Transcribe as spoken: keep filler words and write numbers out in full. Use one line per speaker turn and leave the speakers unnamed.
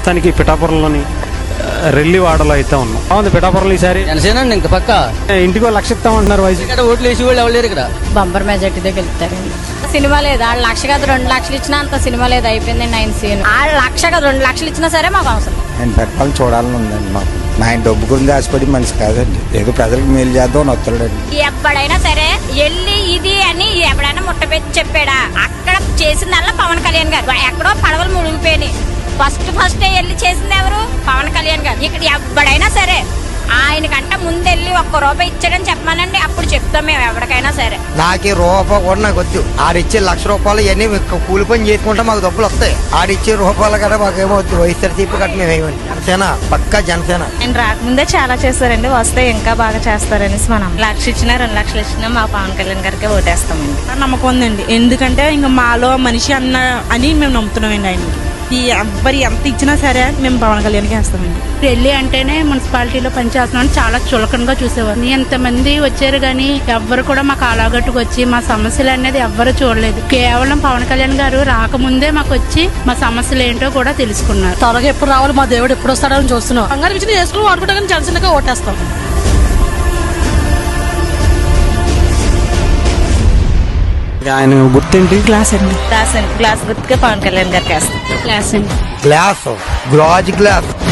ప్రస్తుతానికి పిఠాపురంలోని రెల్లివాడలో అయితే ఉన్నాం. బాగుంది పిఠాపురంలో ఈసారి
జనసేనండి ఇంకా పక్క
ఇంటికో లక్ష ఇస్తామంటున్నారు వయసు.
ఇక్కడ ఓట్లు వేసి వాళ్ళు ఎవరు ఇక్కడ
బంపర్ మెజార్టీతో గెలుస్తారండి. సినిమా లేదు, ఆళ్ళు లక్ష కాదు రెండు లక్షలు ఇచ్చినా అంత సినిమా లేదు, అయిపోయింది నైన్ సీన్. ఆళ్ళు లక్ష కాదు రెండు లక్షలు ఇచ్చినా సరే మాకు అవసరం.
నేను పెట్టాలని చూడాలని ఉందండి మాకు. మా ఆయన డబ్బు గురించి ఆశపడి మనిషి కాదండి, ఏదో ప్రజలకు మేలు చేద్దాం అని వస్తాడండి.
ఎప్పుడైనా సరే వెళ్ళి ఇది అని ఎప్పుడైనా ముట్టపెట్టి చెప్పాడా? అక్కడ చేసిందల్లా పవన్ కళ్యాణ్ గారు. ఎక్కడో పడవలు మునిగిపోయినాయి. ఫస్ట్ ఫస్ట్ వెళ్ళి చేసింది ఎవరు? పవన్ కళ్యాణ్ గారు. ఇక్కడ ఎప్పుడైనా సరే ఆయనకంట ముందెళ్ళి ఒక్క రూపాయి ఇచ్చాడని చెప్పమానండి, అప్పుడు చెప్తాం మేము ఎవరికైనా సరే.
నాకు రూపాయి కూడా నాకు వద్దు. ఆడిచ్చే లక్ష రూపాయలు ఇవన్నీ కూలి పని చేసుకుంటే మాకు డబ్బులు వస్తాయి. ఆడిచ్చే రూపాయలు కదా మాకు ఏమవుతుంది. వైఎస్ఆర్సీపీ కట్ట మేము ఏమని జనసేన పక్కా జనసేన.
ఆయన రాకముందే చాలా చేస్తారండి, వస్తే ఇంకా బాగా చేస్తారనేసి మనం లక్ష ఇచ్చినా రెండు లక్షలు ఇచ్చినా మా పవన్ కళ్యాణ్ గారికి ఓటేస్తామండి.
నమ్మకం ఉందండి, ఎందుకంటే ఇంకా మాలో మనిషి అన్న అని మేము నమ్ముతున్నామండి. ఆయనకి ఈ ఎవ్వరి ఎంత ఇచ్చినా సరే మేము పవన్ కళ్యాణ్కి వేస్తామండి.
ఢిల్లీ అంటేనే మున్సిపాలిటీలో పనిచేస్తున్నాం చాలా చులకనగా చూసేవారు. ఎంతమంది వచ్చారు కానీ ఎవ్వరు కూడా మాకు అలాగట్టుకు వచ్చి మా సమస్యలు అనేది ఎవ్వరు చూడలేదు. కేవలం పవన్ కళ్యాణ్ గారు రాకముందే మాకు వచ్చి మా సమస్యలు ఏంటో కూడా తెలుసుకున్నారు.
త్వరగా ఎప్పుడు రావాలి, మా దేవుడు ఎప్పుడు వస్తాడని చూస్తున్నాం. బంగారు విషయం చేసుకుని వాడుకుంటా కానీ జనసేనగా ఓటేస్తాం.
ఆయన గుర్తేంటి?
గ్లాస్ అండి. గ్లాస్ అండి. గ్లాస్ గుర్తుగా పవన్ కళ్యాణ్ గారికి వేస్తాం.
క్లాస్ అండి.
గ్లాస్ గాజు గ్లాస్